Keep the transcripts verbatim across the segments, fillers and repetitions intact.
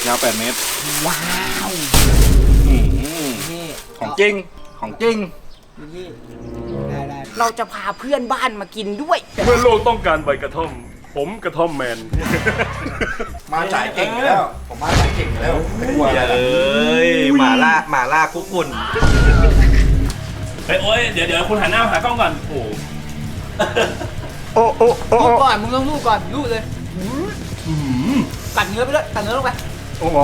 ยาวแปดเมตรว้าวนี่ของจริงของจริงนี่ได้ได้เราจะพาเพื่อนบ้านมากินด้วยเมื่อโลกต้องการใบกระท่อมผมกระท่อมแมนมาสายเก่งแล้วผมมาสายเก่งแล้วเอ้ยหมาล่าหมาล่าคุกฝุ่นเฮ้ยโอ้ยเดี๋ยวเดี๋ยวคุณหันหน้าหากล้องก่อนโอ้โอ้โอ้โอ้ลูกก่อนมึงต้องลูกก่อนลูกเลยกัดเนื้อไปเลยกัดเนื้อลงไปโอ้โห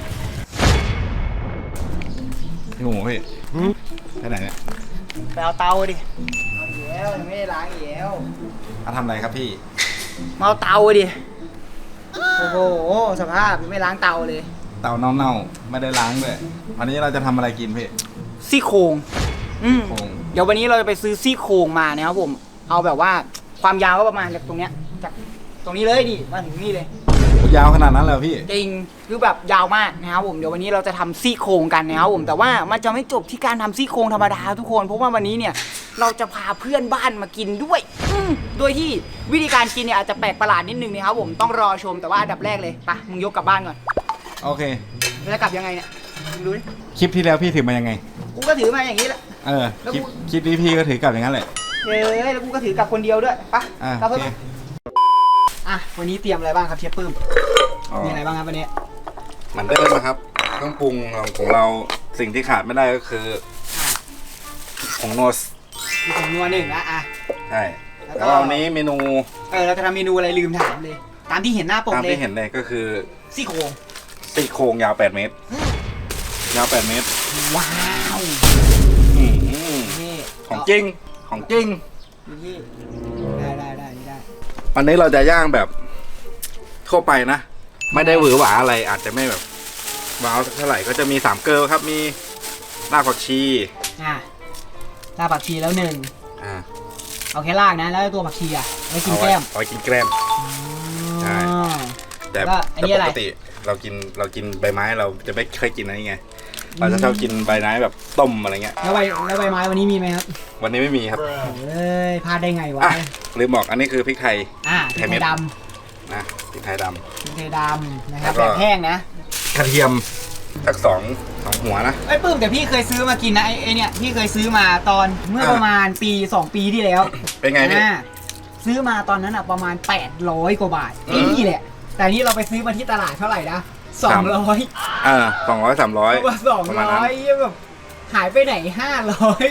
พี่หมูพี่ไปไหนเนี่ยไปเอาเตาดิเอาเหี้ยวไม่ได้ล้างเหี้ยวมาทำอะไรครับพี่มาเอาเตาดิโอ้โหสภาพไม่ล้างเตาเลยเตาเน่าๆไม่ได้ล้างด้วยวันนี้เราจะทำอะไรกินพี่ซี่โครงอืมเดี๋ยววันนี้เราจะไปซื้อซี่โครงมานะครับผมเอาแบบว่าความยาวก็ประมาณจากตรงเนี้ยจากตรงนี้เลยดิมาถึงนี่เลยยาวขนาดนั้นเลยพี่จริงคือแบบยาวมากนะครับผมเดี๋ยววันนี้เราจะทำซี่โครงกันนะครับผมแต่ว่ามันจะไม่จบที่การทำซี่โครงธรรมดาทุกคนเพราะว่าวันนี้เนี่ยเราจะพาเพื่อนบ้านมากินด้วยโดยที่วิธีการกินเนี่ยอาจจะแปลกประหลาดนิดนึงนะครับผมต้องรอชมแต่ว่าอันดับแรกเลยไปมึงยกกลับบ้านก่อนโอเคจะกลับยังไงเนี่ยดูดิคลิปที่แล้วพี่ถือมายังไงกูก็ถือมาอย่างนี้แหละเออคลิปคลิปนี้พี่ก็ถือกลับอย่างนั้นแหละเฮ้ยแล้วกูก็ถือกลับคนเดียวด้วยไปกลับเพื่อนอ่ะวันนี้เตรียมอะไรบ้างครับเชฟปื้มมีอะไรบ้างครับวันนี้เหมือนเดิมนะครับเครื่องปรุงของเราสิ่งที่ขาดไม่ได้ก็คือผงนัวมีผงนัวหนึ่งนะอ่ะใช่แล้ววันนี้เมนูเออเราจะทำเมนูอะไรลืมถามเลยตามที่เห็นหน้าปกเลยตามที่เห็นเลยก็คือซี่โครงซี่โครงยาวแปดเมตรยาวแปดเมตรว้าวนี่ของจริงของจริงนี่ได้ได้ได้ได้วันนี้เราจะย่างแบบทั่วไปนะไม่ได้หวือหวาอะไรอาจจะไม่แบบว้าวเท่าไหร่ก็จะมีสามเกลือครับมีรากผักชีอ่ารากผักชีแล้วหนึ่งอ่าเอาแค่รากนะแล้วตัวผักชีอ่ะไว้กินแกล้มเอาไว้กินแกล้มใช่แต่ปกติเรากินเรากินใบไม้เราจะไม่เคยกินอะไรไงเราจะชอบกินใบไม้แบบต้มอะไรเงี้ยแล้วใบแล้วใบไม้วันนี้มีไหมครับวันนี้ไม่มีครับเอ้ยพลาดได้ไงวะลืมบอกอันนี้คือพริกไทยอ่าพริกไทยดำนะพริกไทยดำพริกไทยดำนะครับแบบแห้งนะกระเทียมสักสองสองหัวนะไอ้ปื้มแต่พี่เคยซื้อมากินนะไอ้เนี่ยพี่เคยซื้อมาตอนเมื่อประมาณปีสองปีที่แล้วเป็นไงพี่ซื้อมาตอนนั้นอ่ะประมาณแปดร้อยกว่าบาทนี่แหละแต่นี่เราไปซื้อมาที่ตลาดเท่าไหร่นะสองร้อยอ่าสองร้อยสามร้อยสองร้อยแบบหายไปไหนห้าร้อย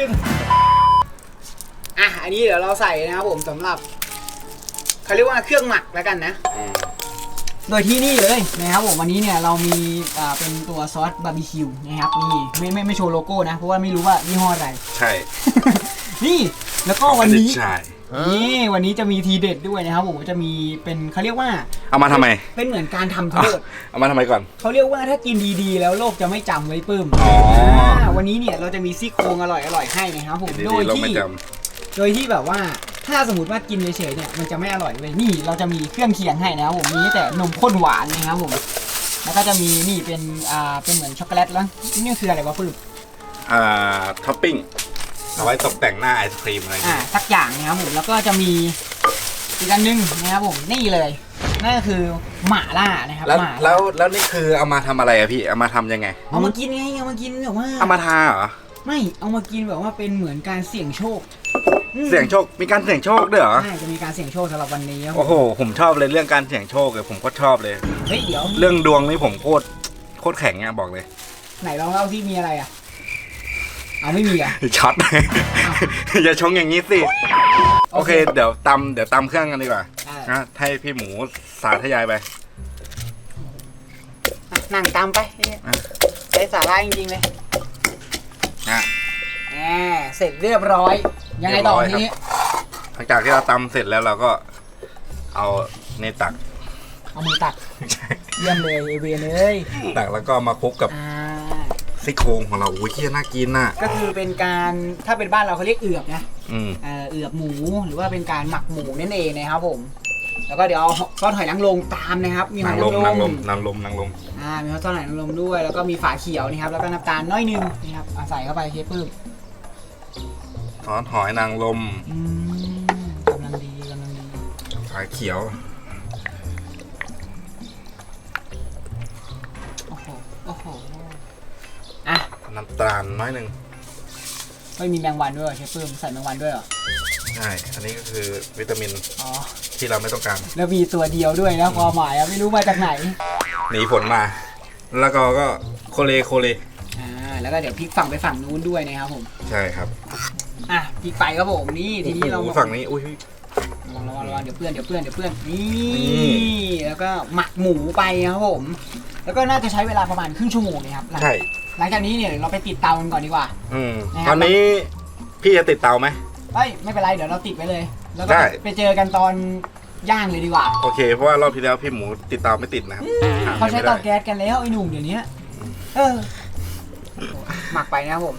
อ่ะอันนี้เดี๋ยวเราใส่นะครับผมสำหรับเขาเรียกว่าเครื่องหมักแล้วกันนะโดยที่นี่เลยนะครับผมวันนี้เนี่ยเรามีอ่าเป็นตัวซอสบาร์บีคิวนะครับนี่ไม่ไม่ไม่โชว์โลโก้นะเพราะว่าไม่รู้ว่ายี่ห้ออะไรใช่นี่แล้วก็วันนี้นี่วันนี้จะมีทีเด็ดด้วยนะครับผมจะมีเป็นเขาเรียกว่าเอามาทำไมเป็นเหมือนการทำโทษเอามาทำไมก่อนเขาเรียกว่าถ้ากินดีๆแล้วโลกจะไม่จำไว้ปื้มอ๋อวันนี้เนี่ยเราจะมีซี่โครงอร่อยอร่อยให้นะครับผมโดยที่โดยที่แบบว่าถ้าสมมติว่ากินเฉยๆเนี่ยมันจะไม่อร่อยเลยนี่เราจะมีเครื่องเคียงให้นะครับผมมีแต่นมข้นหวานนะครับผมแล้วก็จะมีนี่เป็นอ่าเป็นเหมือนช็อกโกแลตแล้วนี่คืออะไรวะปื้มอ่าท็อปปิ้งเอาไว้ตกแต่งหน้าไอศครีมอะไรอ่าสักอย่างนะครับผมแล้วก็จะมีอีกอันนึงนะครับผมนี่เลยนั่นก็คือหม่าล่านะครับแล้วแล้วแล้วนี่คือเอามาทำอะไรอะพี่เอามาทำยังไงเอามากินไงเอามากินแบบว่าเอามาทาเหรอไม่เอามากินแบบว่าเป็นเหมือนการเสี่ยงโชคเสี่ยงโชคมีการเสี่ยงโชคด้วยเหรอใช่จะมีการเสี่ยงโชคสำหรับวันนี้โอ้โหผมชอบเลยเรื่องการเสี่ยงโชคเลยผมก็ชอบเลยเฮ้ยเดี๋ยวเรื่องดวงนี่ผมโคตรโคตรแข็งเนี่ยบอกเลยไหนลองเล่าที่มีอะไรอะเอาไม่มีอ่ะช็อตอย่าชงอย่างนี้สิโอเคเดี๋ยวตำเดี๋ยวตำเครื่องกันดีกว่านะให้พี่หมูสาธยายไปนั่งตำไปใช้สาระจริงๆเลยนะแหมเสร็จเรียบร้อยยังไงต่อทีนี้หลังจากที่เราตำเสร็จแล้วเราก็เอาในตักเอามือตักเยี่ยมเลยเอเวียเลยตักแล้วก็มาคลุกกับซี่โครงของเราอุ้ยที่น่ากินน่ะก็คือเป็นการถ้าเป็นบ้านเราเขาเรียกเอือบนะเอือบหมูหรือว่าเป็นการหมักหมูนั่นเองนะครับผมแล้วก็เดี๋ยวซอสหอยนางรมตามนะครับมีหอยนางรมนางรมนางรมนางรมอ่ามีซอสหอยนางรมด้วยแล้วก็มีฝาเขียวนะครับแล้วก็น้ำตาลน้อยนึงนะครับใส่เข้าไปเชฟปื้มซอสหอยนางรมกำลังดีกำลังดีฝาเขียวโน้ำตาลน้อยหนึ่งไม่มีแมงวันด้วยเหรอเชฟปื้มใส่แมงวันด้วยเหรอใช่อันนี้ก็คือวิตามินอ๋อที่เราไม่ต้องการแล้วมีตัวเดียวด้วยนะความหมายอะไม่รู้มาจากไหนหนีฝนมา แล้วก็ก็โคเลโคเลอ่าแล้วก็เดี๋ยวพลิกฝั่งไปฝั่งนู้นด้วยนะครับผมใช่ครับอ่ะพลิกไปครับผมนี่ทีนี้เราโอ้โหฝั่งนี้อุ้ยระวังระวังระวังเดี๋ยวเพื่อนเดี๋ยวเพื่อนเดี๋ยวเพื่อนนีนี่่แล้วก็หมักหมูไปครับผม แล้วก็น่าจะใช้เวลาประมาณครึ่งชั่วโมงนะครับหลังใช่หลังจากนี้เนี่ยเราไปติดเตากันก่อนดีกว่าอืมนะครับตอนนี้พี่จะติดเตาไหมเฮ้ยไม่เป็นไรเดี๋ยวเราติดไว้เลย แล้วก็ได้ไปเจอกันตอนย่างเลยดีกว่าโอเค เพราะว่ารอบที่แล้วพี่หมูติดเตาไม่ติดนะครับหเขาใช้ไม่ได้เตาแก๊สกันแล้วไอ้หนุ่มเดี๋ยวนี้เออหมักไปนะครับผม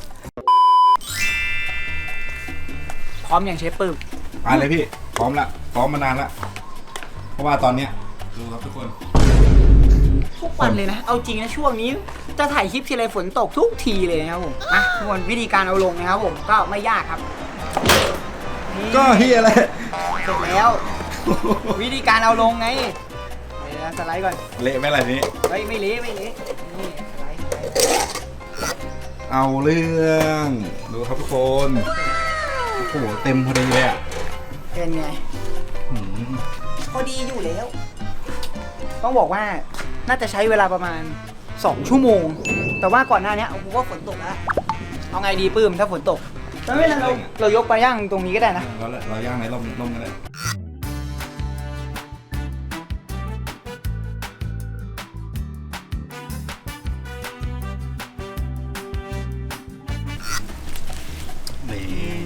พร้อมอย่างเชฟปื้มไปเลยพี่ พร้อมละพร้อมมานานละเพราะว่าตอนเนี้ยดูครับทุกคนทุกวันเลยนะ เอาจริงนะช่วงนี้จะถ่ายคลิปทีไรฝนตกทุกทีเลยนะครับผมอ่ะทุกคนวิธีการเอาลงนะครับผมก็ไม่ยากครับนี่ก็เฮียอะไรเสร็จแล้ว วิธีการเอาลงไงเดี๋ยวสไลด์ก่อนเละไหมอะไรนี้เฮ้ยไม่เละไม่เละนี่สไลด์สไลด์เอาเรื่องดูครับทุกคนโอ้โหเต็มพอดีเลยอ่ะเป็นไงหืมพอดีอยู่แล้ว ต้องบอกว่าน่าจะใช้เวลาประมาณสองชั่วโมง แต่ว่าก่อนหน้านี้ผมว่าฝนตกแล้วเอาไงดีปื้มถ้าฝนตกแล้วไม่เป็นไรเราเรายกไปย่างตรงนี้ก็ได้นะเราเราย่างในร่มร่มกันเลยนี่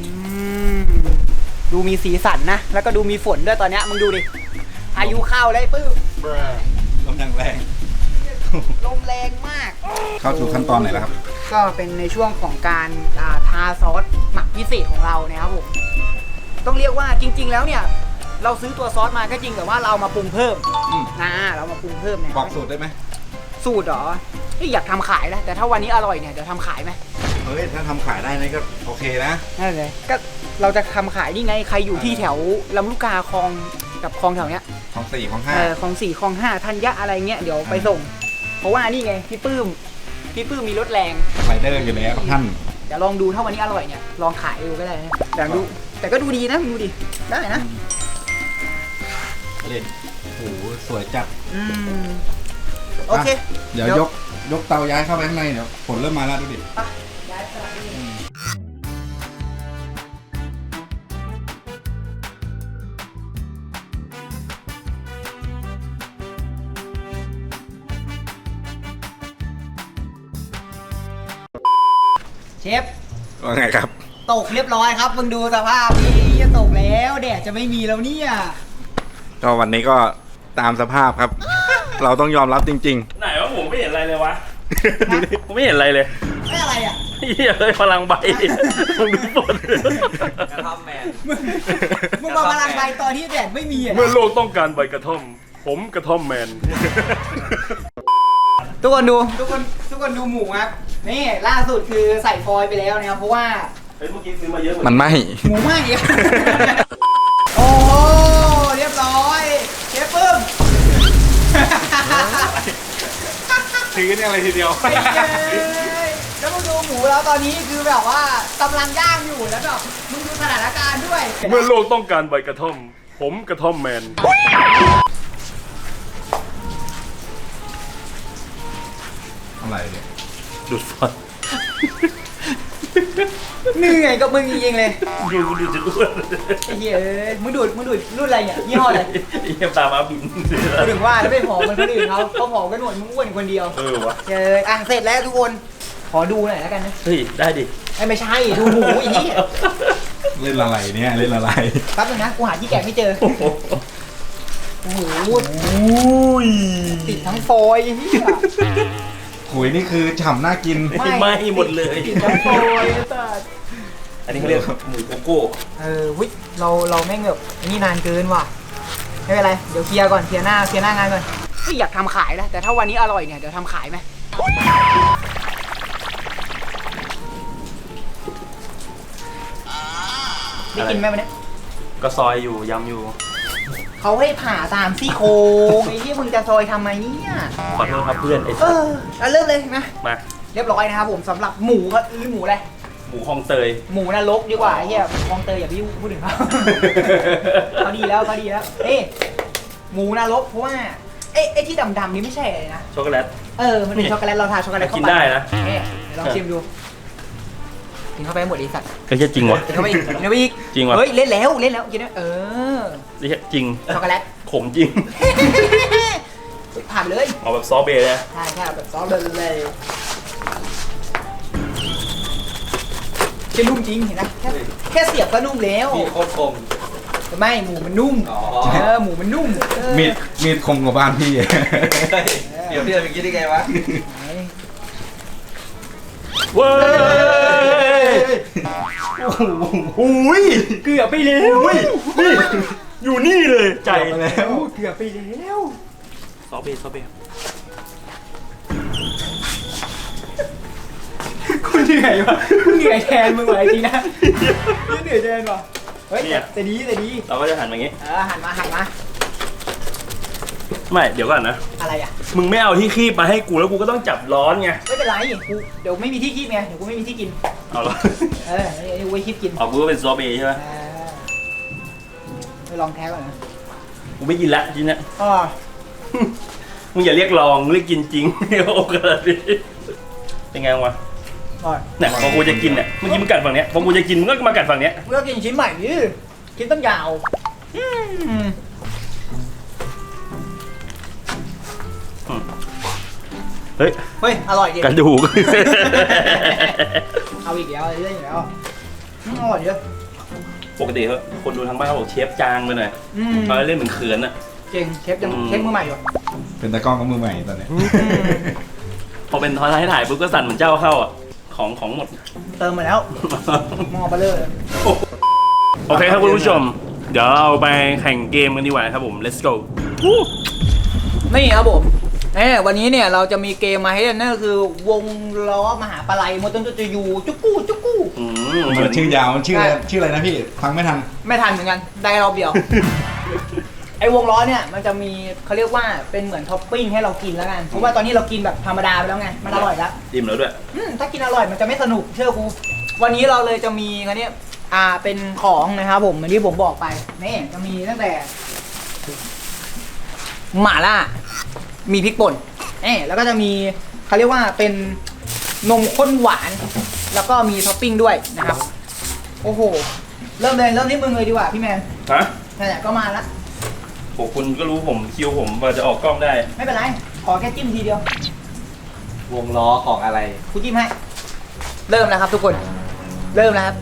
ดูมีสีสันนะ แล้วก็ดูมีฝนด้วยตอนเนี้ยมึงดูดิพายุเข้าเลยปื้มลมอย่างแรงลมแรงมากเข้าสู่ขั้นตอนไหนแล้วครับก็เป็นในช่วงของการอ่าทาซอสหมักพิเศษของเรานะครับผมต้องเรียกว่าจริง ๆ แล้วเนี่ยเราซื้อตัวซอสมาก็จริงแต่ว่าเรามาปรุงเพิ่มอืมนะเรามาปรุงเพิ่มเนี่ยบอกสูตรได้ไหมสูตรเหรอเฮ้ยอยากทำขายนะแต่ถ้าวันนี้อร่อยเนี่ยเดี๋ยวทำขายไหมเฮ้ย ถ้าทำขายได้นี่ก็โอเคนะนั่นเลยก็เราจะทำขายนี่ไงใครอยู่ที่แถวลำลูกกาคลองกับคลองแถวเนี้ยของสี่ของห้าเออคลองสี่คลองห้าธัญญะอะไรเงี้ยเดี๋ยวไปส่ง เพราะว่านี่ไงพี่ปื้มพี่ปื้มมีรถแรงไรเดอร์อยู่แล้วท่านเดี๋ยวลองดูถ้าวันนี้อร่อยเนี่ยลองขายดูก็ได้นะแต่ดูแต่ก็ดูดีนะดูดิได้นะเล่นโอ้โหสวยจัดอืมโอเคะเดี๋ยวยกยกเตาย้ายเข้าไปข้างในเดี๋ยวฝนเริ่มมาแล้วดูดิไปย้ายสลับไปนี่เชฟว่าไงครับตกเรียบร้อยครับมึงดูสภาพนี่จะตกแล้วแดดจะไม่มีแล้วเนี่ยก็วันนี้ก็ตามสภาพครับ เราต้องยอมรับจริงไหนวะผมไม่เห็นอะไรเลยวะ ผมไม่เห็นอะไรเลยไม่อะไรอ่ะเฮียเลยพลังใบมึงดูฝนกระท่อมแมนมึงมึงมาพลังใบตอนที่แดดไม่มีอ่ะเมื่อโลกต้องการใบกระท่อม ผมกระท่อมแมนทุกคนดูทุกคนทุกคนดูหมูครับนี่ล่าสุดคือใส่ฟอยล์ไปแล้วนะครับเพราะว่าเฮ้ยเมื่อกี้ซื้อมาเยอะเหมืๆอนมันไหมหมูไหม้ โอ้โหเรียบร้อยเชฟปึ้มถือเนี่ยอะไรทีเดียวไอ้เย้ยแล้วมึงดูหมูแล้วตอนนี้คือแบบว่ากำลังย่างอยู่แล้วแบบมึงดูสถานการณ์ด้วยเมื่อโลกต้องการใบกระท่อม ผมกระท่อมแมนอะไรเนี่ยดูดฟันเหนื่อยกับมึงจริงๆเลยดูดูจะอ้วนไอ้เหี้ยเอ้ยมึงดูดมึงดูดรุ่นอะไรเนี่ยยี่ห้ออะไรเฮียตามาบินกูถึงว่าแล้วไม่ผอมเหมือนคนอื่นเขาเขาผอมกันหมดมึงอ้วนคนเดียวเออวะเจออ่ะเสร็จแล้วทุกคนขอดูหน่อยแล้วกันนะเฮ้ยได้ดิไอ้ไม่ใช่ดูหมูอีนี่เล่นอะไรเนี่ยเล่นอะไรแป๊บนึงนะกูหาที่แกะไม่เจอโอ้โหอุ้ยติดทั้งฟอยล์ไอ้เหี้ยขุยนี่คือฉ่ำน่ากินไหม้หมดเลยติดทั้งฟอยล์ไอ้สัสอันนี้เขาเรียกหมูโกโก้เออวิเราเราไม่งแบบนี่นานเกินว่ะไม่เป็นไรเดี๋ยวเคลียร์ก่อนเคลียร์หน้าเคลียร์หน้างานก่อนที่อยากทำขายนะแต่ถ้าวันนี้อร่อยเนี่ยเดี๋ยวทำขายไหมได้กินไหมวันนี้ก็ซอยอยู่ยำอยู่เขาให้ผ่าตามซี่โครงไอ้ที่มึงจะซอยทำไมเนี่ยขอโทษครับเพื่อนไอ้เอสัสอเอาเริ่มเลยนะมาเรียบร้อยนะครับผมสำหรับหมูก็หรือหมูอะไรหมูคลองเตยหมูนรกดีกว่าไอ้เฮียคลองเตยอย่าไปยุ่งพูดถึงเขา เขาดีแล้วเขาดีแล้วเอ้ยหมูนรกเพราะว่าเอ้ไอ้ที่ดำๆนี่ไม่ใช่อะไรนะช็อกโกแลตเออมันเป็นช็อกโกแลตเราทาช็อกโกแลตเข้าไปกินได้นะเอ๊ะเดี๋ยวลองชิมดูกินเข้าไปหมดไอ้สัตว์ก็ใช่จริงวะกินเข้าไปอีกกินเข้าไปอีกจริงวะเฮ้ยเล่นแล้วเล่นแล้วกินแล้วเออนี่จริงช็อกโกแลตขมจริงผ่านเลยเอาแบบซอสเบย์นะใช่ใช่แบบซอสเลยเลยจะนุ่มจริงเห็นไหมแค่แค่เสียบก็นุ่มแล้วมีโคตรคมไม่หมูมันนุ่มอ๋อเออหมูมันนุ่มเออมีดมีดคมกว่าบ้านพี่เดี๋ยวพี่จะไปคิดได้ไงวะเว้ยโอ้ยเกือบไปแล้วนี่อยู่นี่เลยใจเกือบไปแล้วเกือบไปแล้วซอสเบย์ซอสเบย์คุณเหนื่อยวะคุณเหนื่อยแทนมึงเลยจริงนะคุณเหนื่อยแทนว่ะเฮ้ยแต่แต่ดีแต่ดีเราก็จะหันมาอย่างงี้เออหันมาหันมาไม่เดี๋ยวก่อนนะอะไรอ่ะมึงไม่เอาที่คีบมาให้กูแล้วกูก็ต้องจับร้อนไงไม่เป็นไรกูเดี๋ยวไม่มีที่คีบไงเดี๋ยวกูไม่มีที่กินเอาละเออไอ้ไอ้ไว้คีบกินเอากูก็เป็นซอสเบย์ใช่ไหมเออไปลองแท้ก่อนนะกูไม่กินละจริงนะอ๋อมึงอย่าเรียกลองเรียกกินจริง โอ้กระดิเป็นไงวะอ๋อเนี่ยพอกูจะกินเนี่ยเมื่อกี้มึงกัดฝั่งเนี้ยพอกูจะกินมึงก็มากัดฝั่งเนี้ยเมื่อกินชิ้นใหม่ดิชิ้นต้นยาวอืมเฮ้ยเฮ้ยอร่อยดิกระดูกเอาอีกแล้วเรื่อยอีกแล้วอืมอร่อยเยอะปกติเขาคนดูทางบ้านเขาบอกเชฟจางไปหน่อยอืมเขาเล่นเหมือนเขินอะเก่งเชฟยังอืมเชฟมือใหม่อยู่เป็นตะกล้องกับมือใหม่ตอนเนี้ยพอเป็นทอยถ่ายปุ๊บก็สั่นเหมือนเจ้าเข้าอ่ะของของหมดเติมมาแล้วมอเบลเลอร์โอเคครับคุณผู้ชม เดี๋ยวเราไปแข่งเกมกันดีกว่าครับผม let's go นี่ครับผมเอ้วันนี้เนี่ยเราจะมีเกมมาให้เล่นนั่นก็คือวงล้อมหาปลาไหลมดต้นจุยูจุกกู้จุกกู้อืมมันชื่อยาวมันชื่ออะไรชื่ออะไรนะพี่ฟังไม่ทันไม่ทันเหมือนกันได้รอบเดียว ไอ้วงล้อเนี่ยมันจะมีเขาเรียกว่าเป็นเหมือนท็อปปิ้งให้เรากินแล้วกันเพราะว่าตอนนี้เรากินแบบธรรมดาไปแล้วไงมันอร่อยแล้วอิ่มแล้วด้วยอืมถ้ากินอร่อยมันจะไม่สนุกเชื่อกูวันนี้เราเลยจะมีอันเนี้ยอ่าเป็นของนะครับผมเหมือนที่ผมบอกไปนี่จะมีตั้งแต่หม่าล่ามีพริกป่นเอ๊แล้วก็จะมีเขาเรียกว่าเป็นนมข้นหวาน แล้วก็มีท็อปปิ้งด้วยนะครับ โอ้โหเริ่มเลยเริ่มที่มึงเลยดีกว่าพี่แมนฮะนั่นแหละก็มาละโหคุณก็รู้ผมคิวผมว่าจะออกกล้องได้ไม่เป็นไรขอแค่จิ้มทีเดียววงล้อของอะไรกูจิ้มให้เริ่มแล้วครับทุกคนเริ่มแล้วครับ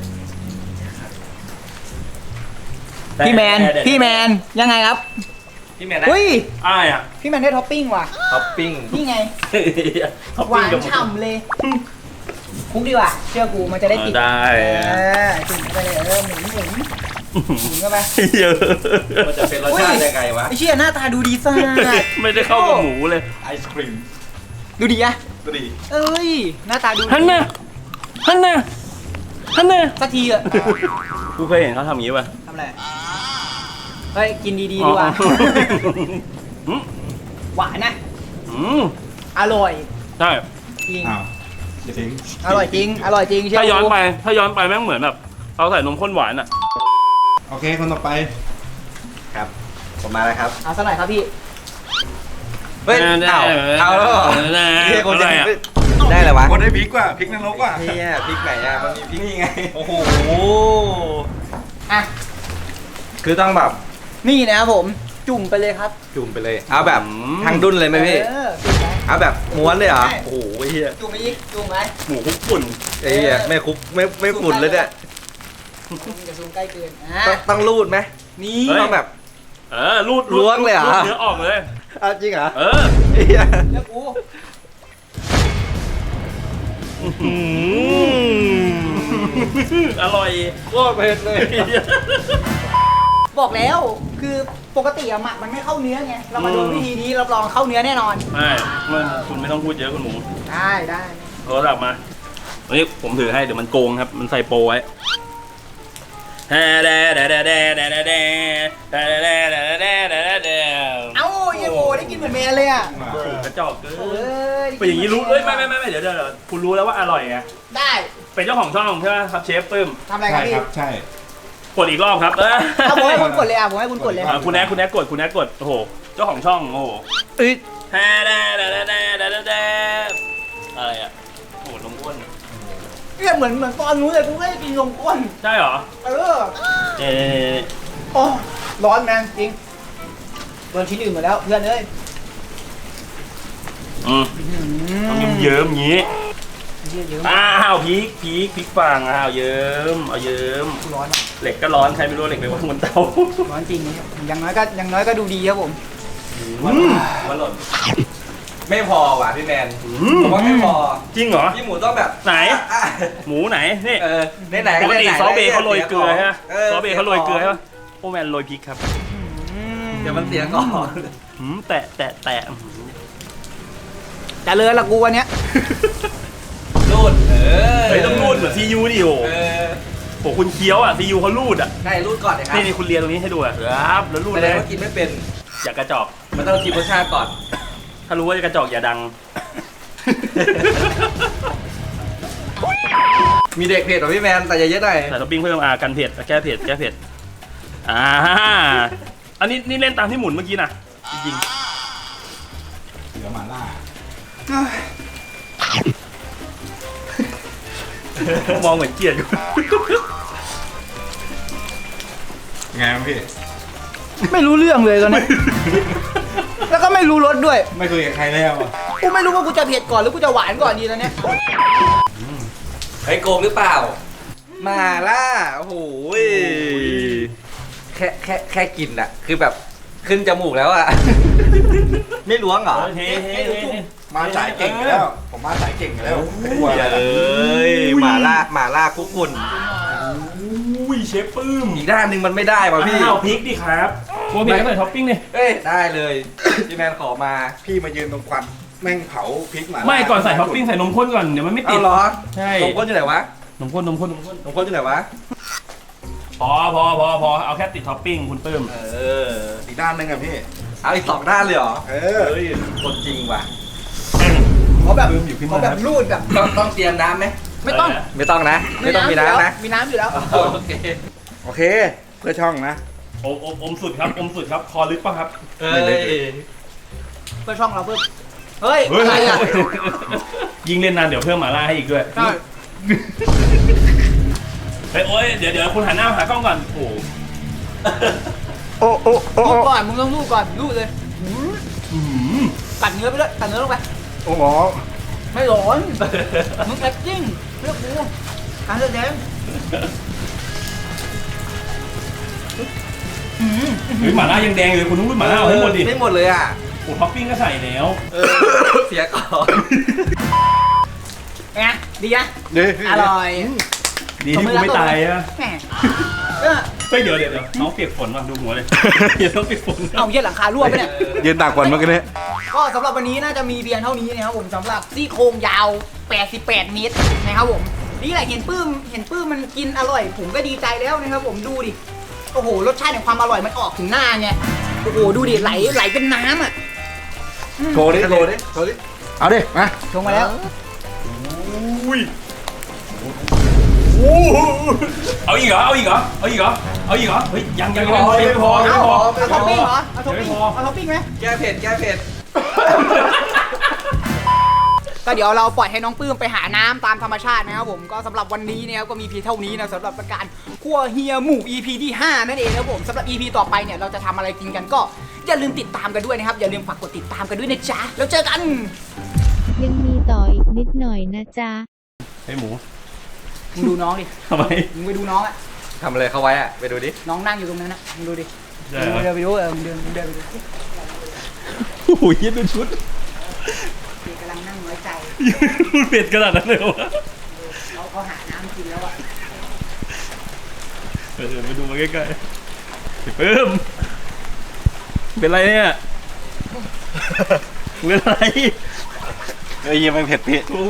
พี่แมนพี่แมนยังไงครับพี่แมนนะเฮ้ยอ้ายอ่ะพี่แมนได้ท็อปปิ้งว่ะท็อปปิ้งนี่ไงท็อปหปิ้วาง นกับหมดฉ่ำเลยคุกดีกว่าเชื่อกูมันจะได้ติดได้เออจุ่มเข้าไปเลยเออหมุนหมุนหมุนเข้าไปเยอะมันจะเป็นรสชาติยังไงวะไอ้เชี่ยหน้าตาดูดีซ่าไม่ได้เข้ากับหมูเลยไอศครีมดูดีอะก็ดีเอ้ยหน้าตาดูดีฮันน่ะฮันน่ะฮันน่ะสักทีอะกูเคยเห็นเขาทำอย่างนี้ป่ะทำอะไรเฮ้ยกินดีๆดีกว่าอืมหวานนะอืมอร่อยใช่จริงอ้าวอย่าทิ้งอร่อยจริงอร่อยจริงเชื่อถ้าย้อนกูไปถ้าย้อนไปแม่งเหมือนแบบเราใส่นมข้นหวานอ่ะโอเคคนต่อไปครับ ผมมาแล้วครับเอาสักหน่อยครับพี่เฮ้ย เอาเอาแล้วเหรอได้เฮียคนอะไรจะอ่ะได้เลยวะคนได้พริกว่ะพริกนรกว่ะเฮียพริกไหนอ่ะ มันมีพริกนี่ไงโอ้โหอ่ะคือต้องแบบนี่นะครับผมจุ่มไปเลยครับจุ่มไปเลย เอาแบบทางดุนเลยไหมพี่เออจุ่มไปเอาแบบม้วนเลยเหรอใช่โอ้โหเฮียจุ่มไปอีกจุ่มไปหมูคลุกฝุ่นไอ้เฮียไม่คุกไม่ไม่ฝุ่นเลยเนี่ยอย่าซูมใกล้เกินอ่ะต้องต้องรูดไหมนี่ต้องแบบเออรูดล้วงเลยเหรอรูดเนื้อออกเลยเอาจริงเหรอเออเฮียเลือกกูอืมอร่อยโคตรเผ็ดเลยบอกแล้วคือปกติอะหมักมันไม่เข้าเนื้อไงเรามาดูวิธีนี้รับรองเข้าเนื้อแน่นอนไม่ไม่คุณไม่ต้องพูดเยอะคุณหมูได้ได้โทรศัพท์มาวันนี้ผมถือให้เดี๋ยวมันโกงครับ มันใส่โปรไว้เอ้าเอ้าเยโบได้กินเหมือนแมนเลยอ่ะกระจอกเกิเอน อเป็นอย่างนี้รู้เอ้ยไม่ไม่ไม่ไม่เดี๋ยวเดี๋ยวคุณรู้แล้วว่าอร่อยไงได้เป็นเจ้าของช่องใช่ไหมครับเชฟปื้มทำอะไรกันพี่ใช่กดอีกรอบครับเออเอาผมให้คุณกดเลยอ่ะผมให้คุณกดเลยอ่ะคุณแอ๊กคุณแอ๊กกดคุณแอ๊กกดโอ้โหเจ้าของช่องโอ้โหเอ้ยแฮ่แด่แด่แด่แด่แด่แด่อะไรอ่ะโอ้โหนมข้นเนี่ยเหมือนเหมือนตอนนู้นเลยกูก็จะกินนมข้นใช่เหรอเออเอ๊ะโอ้ร้อนแมนจริงโดนชิ้นอื่นหมดแล้วเพื่อนเอ้ยอืมต้องเยิ้มๆอย่างนี้เยอะเยอะอ้าวพริกพริกพริกฝั่งอ้าวเยิ้มเอาเยิ้มร้อนอะเหล็กก็ร้อนใครไม่รู้เหล็กไปวางบนเตาร้อนจริงอย่างน้อยก็อย่างน้อยก็ดูดีครับผมมันหล่นไม่พอว่ะพี่แมนผมว่าไม่พอจริงเหรอพี่หมูต้องแบบไหนอ่ะหมูไหนนี่เออไหนไหนปกติซอสเบย์เขาโรยเกลือใช่ไหมออซอสเบย์เขาโรยเกลือใช่ไหมโอ้แมนโรยพริกครับเดี๋ยวมันเสียก่อนหืมแตะแตะแตะแต่เลยละกูวันเนี้ยรูดเออเฮ้ยต้องรูดเหมือนซียูดิโอเออโหคุณเคี้ยวอ่ะซียูเขารูดอ่ะใช่รูดก่อนเลยครับนี่นี่คุณเรียนตรงนี้ให้ดูอ่ะครับแล้วรูดแสเลดงยว่ากินไม่เป็นอย่ากระจอกมันต้องกินรสชาติก่อนถ้ารู้ว่าจะกระจอกอย่าดังมีเด็กเผ็ดเหรอพี่แมนแต่อย่าเยอะหน่อยใส่ท็อปปิ้งเพิ่มอ่ากันเผ็ดแก้เผ็ดแก้เผ็ดอ่าอันนี้นี่เล่นตามที่หมุนเมื่อกี้นะจริงเหลือหมาล่าๆมองเหมือนเกลียดอยู่ไงครับพี่ไม่รู้เรื่องเลยตอนนี้ แล้วก็ไม่รู้รสด้วยไม่คุยกับใครแล้วอ่ะกูไม่รู้ว่ากูจะเผ็ดก่อนหรือกูจะหวานก่อนดีตอนเนี้ยเฮ้ยโกงหรือเปล่า มาล่าโอ้โหยแค่แค่แค่กินอะคือแบบขึ้นจมูกแล้วอะ ไม่ล้วงเหรอเฮ้ยเฮ้ยเฮ้ยมาสายเก่งอยู่แล้ว ผมมาสายเก่งอยู่แล้วไม่กลัวอะไรเอ้ยหมาล่าหมาล่าคุกคุณอุ้ยเชฟปื้มอีกด้านหนึ่งมันไม่ได้ป่ะพี่อ้าวพริกดิครับกลัวพริกก็ใส่ท็อปปิ้งดิเอ้ยได้เลย พี่แมนขอมาพี่มายืนตรงควันแม่งเผาพริกหมาล่าไม่ก่อนใส่ท็อปปิ้งใส่นมข้นก่อนเดี๋ยวมันไม่ติเอาดเหรอใช่นมข้นอยู่ไหนวะนมข้นนมข้นนมข้นนมข้นอยู่ไหนวะพอพอพอพอเอาแค่ติดท็อปปิ้งคุณปื้มเอออีกด้านหนึงอะพี่เอาอีกสองด้านเลยเหรอเออเฮ้ยคนจริงว่ะเขาแบบปื้มอยู่ขึ้นเขามาแบบรูดแบบต้องต้องเตรียมน้ำไหมไม่ต้องไม่ต้องนะ ไม่ต้องมีน้ำนะมีน้ำอยู่แล้วโอเคโอเค เพื่อช่องนะอมอมอมสุดครับอมสุดครับคอลึกป่ะครับเฮ้ยเพื่อช่องเราเพิ่มเฮ้ยเฮ้ยอะไรอ่ะยิงเล่นนานเดี๋ยวเพิ่มหมาล่าให้อีกด้วยใช่เฮ้ยโอ้ยเดี๋ยวเดี๋ยวคุณหันหน้ามาหากล้องก่อนโอ้โหโอ้โอ้โอ้รูดก่อนมึงต้องรูดก่อนรูดเลยอื้อหือกัดเนื้อไปด้วยกัดเนื้อลงไปโอ้โหไม่ร้อนมึงแอคติ้งเพื่อกูการแสดงเฮ้ยหมาล่ายังแดงอยู่เลยคุณต้องรูดหมาล่าเอาให้หมดดิไม่หมดเลยอ่ะโอ้ท็อปปิ้งก็ใส่แล้วเออ เสียก่อนไงดีนะดีอร่อยดีที่กูไม่ตายอะแหมเออเฮ้ยเดี๋ยวเดี๋ยวเดี๋ยวน้องเปียกฝนว่ะดูหัวเลยเดี๋ยวน้องเปียกฝนเอาเยี่ยหลังคารั่วไปเนี่ยยืนตากฝนเมื่อกี้นี้ก็สำหรับวันนี้น่าจะมีเพียงเท่านี้นะครับผมสำหรับซี่โครงยาวแปดสิบแปดเมตรนะครับผมนี่แหละเห็นปื้มเห็นปื้มมันกินอร่อย ผมก็ดีใจแล้วนะครับผมดูดิโอ้โหรสชาติแห่งความอร่อยมันออกถึงหน้าไงโอ้โหดูดิไหลไหลเป็นน้ำอ่ะโชว์ดิโชว์ดิโชว์ดิ เอาดิ มาชงมาแล้วอุ้ยโอ้โหเอาอีกเหรอเอาอีกเหรอเอาอีกเหรอเอาอีกเหรอเฮ้ยยังยังยังยังไม่พอยังเอาไม่พอเอาท็อปปิ้งเหรอเอาท็อปปิ้งยังไม่พอเอาท็อปปิ้งไหมแก้เผ็ด แก้เผ็ดก็เดี๋ยวเราปล่อยให้น้องปื้มไปหาน้ำตามธรรมชาตินะครับผมก็สำหรับวันนี้เนี่ยก็มีเพียงเท่านี้นะสำหรับการคั่วเฮียหมู อี พี ที่ห้านั่นเองนะครับผมสำหรับ อี พี ต่อไปเนี่ยเราจะทำอะไรกินกันก็อย่าลืมติดตามกันด้วยนะครับอย่าลืมฝากกดติดตามกันด้วยนะจ๊ะแล้วเจอกันยังมีต่ออีกนิดหน่อยนะจ๊ะไอ้หมูมึงดูน้องดิทำไมมึงไปดูน้องอะทำอะไรเขาไว้อะไปดูดิน้องนั่งอยู่ตรงนั้นนะมึงดูดิใช่มึงเหรอเดินไปดูเออมึงเดินมึงเดินไปดูโอ้โหยืดดูชุดพี่กำลังนั่งน้อยใจพูดเผ็ดขนาดนั้นเลยวะเขาเขาหาน้ำกินแล้วอะเออไปดูมาใกล้ๆไอ้เพิ่มเป็นไรเนี่ยเป็นไรเอ้ยยังไม่เผ็ดพี่